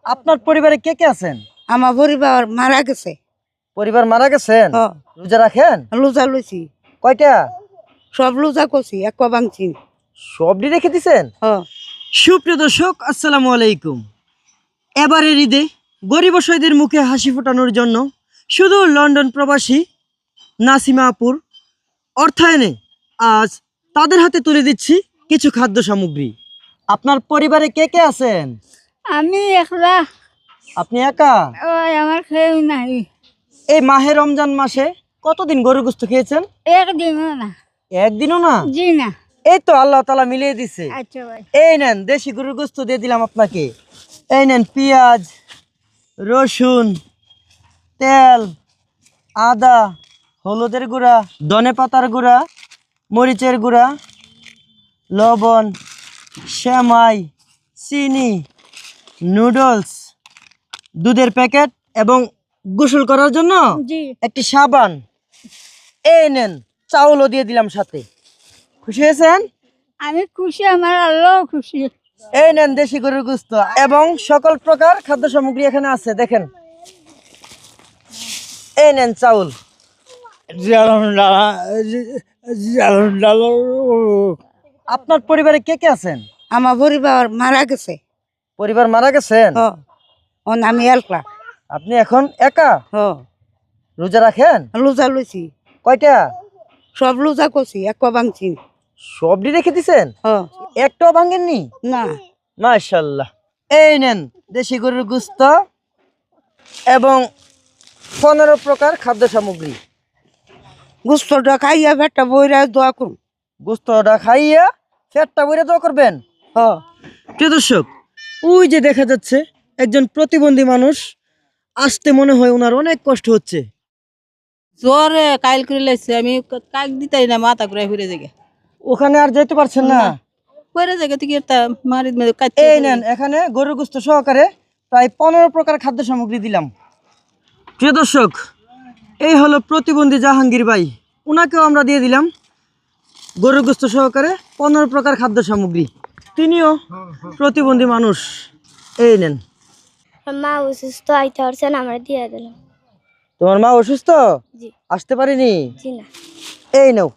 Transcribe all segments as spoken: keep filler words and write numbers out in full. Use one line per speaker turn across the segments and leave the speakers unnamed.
আপনার পরিবারে কে কে আছেন?
আমার পরিবার মারা গেছে।
পরিবার মারা গেছেন?
হ
রোজা রাখেন?
লুজা লইছি,
কয়টা?
সব লুজা করছি, এক ভাঙছি।
সবটি রেখে দিছেন?
হ
সুপ্রিয় দর্শক, আসসালামু আলাইকুম। এবারের ঈদে গরিব অসহায়দের মুখে হাসি ফোটানোর জন্য শুধু লন্ডন প্রবাসী নাসিমা আপুর অর্থায়নে আজ তাদের হাতে তুলে দিচ্ছি কিছু খাদ্য সামগ্রী। আপনার পরিবারে কে কে আছেন?
আমি একলা,
আপনি একা?
ওই আমার খেয়েও নাই,
এই মাহে রমজান মাসে কতদিন গরুর গোশত খেয়েছেন?
একদিনও না।
একদিনও না?
জি না।
এই তো আল্লাহ তাআলা মিলিয়ে দিছে।
আচ্ছা ভাই,
এই নেন দেশি গরুর গোশত দিয়ে দিলাম আপনাকে। এই নেন পেঁয়াজ, রসুন, তেল, আদা, হলুদের গুঁড়া, ধনে পাতার গুঁড়া, মরিচের গুঁড়া, লবণ, সেমাই, চিনি, নুডলস, দুধের প্যাকেট এবং গোসল করার জন্য
জি
একটি সাবান। এই নেন চাউলও দিয়ে দিলাম সাথে। খুশি হয়েছেন?
আমি খুশি, আমার আল্লাহ খুশি।
এই নেন দেশি গরুর গোশত এবং সকল প্রকার খাদ্য সামগ্রী এখানে আছে, দেখেন। এই নেন চাউল। আপনার পরিবারে কে কে আছেন?
আমার পরিবার মারা গেছে।
পরিবার মারা গেছেন?
হ অন আমি একলা।
আপনি এখন একা?
হ
রোজা রাখেন?
লুজা লইছি,
কয়টা?
সব লুজা করছি, এক ভাঙছি।
সবটি রেখে দিছেন?
হ
একটাও ভাঙেননি?
না
মাশাআল্লাহ। এই নেন দেশি গরুর গোশত এবং পনেরো প্রকার খাদ্য সামগ্রী।
গুস্তটা খাইয়া পেটটা বইরা দোয়া করুন।
গোশতটা খাইয়া পেটটা ভরে দোয়া করবেন।
হ
প্রিয় দর্শক, ওই যে দেখা যাচ্ছে একজন প্রতিবন্ধী মানুষ, আসতে মনে হয় ওনার অনেক কষ্ট হচ্ছে।
জ্বরে কাইল করে লাগছে, আমি কাক দিতাই না, মাথা ঘুরে ফিরে যাগে
ওখানে আর যেতে পারছেন না?
ফিরে যাগে তুই একটা মারি
এই নেন এখানে গরুর গোশত সহকারে প্রায় পনেরো প্রকার খাদ্য সামগ্রী দিলাম। প্রিয় দর্শক, এই হলো প্রতিবন্ধী জাহাঙ্গীর ভাই, ওনাকেও আমরা দিয়ে দিলাম গরুর গোশত সহকারে পনেরো প্রকার খাদ্য সামগ্রী। তিনিও প্রতিবন্ধী মানুষ। এই নেন।
মা অসুস্থ, আইতে পারছেন, আমরা দিয়ে দিলাম।
তোমার মা অসুস্থ,
জি
আসতে পারিনি?
জি না।
এই নাও।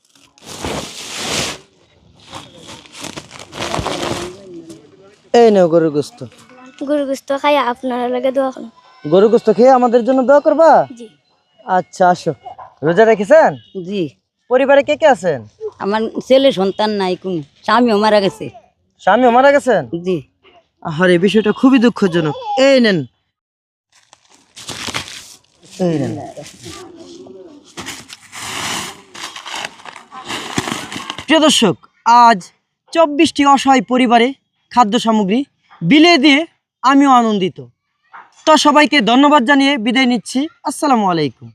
এই নাও গরুর গোশত।
গরু গোস্ত খাই আপনার লাগে দোয়া করুন।
গরুর গোশত খেয়ে আমাদের জন্য দোয়া করবা?
জি।
আচ্ছা আসো। রোজা রেখেছেন?
জি।
পরিবারে কে কে আছেন?
আমার ছেলে সন্তান নাই, কোন স্বামীও মারা গেছে।
স্বামীও মারা গেছেন?
জি।
আরে বিষয়টা খুবই দুঃখজনক। এই নেন, এই নেন। প্রিয় দর্শক, আজ চব্বিশটি অসহায় পরিবারে খাদ্য সামগ্রী বিলিয়ে দিয়ে আমিও আনন্দিত। তো সবাইকে ধন্যবাদ জানিয়ে বিদায় নিচ্ছি। আসসালামু আলাইকুম।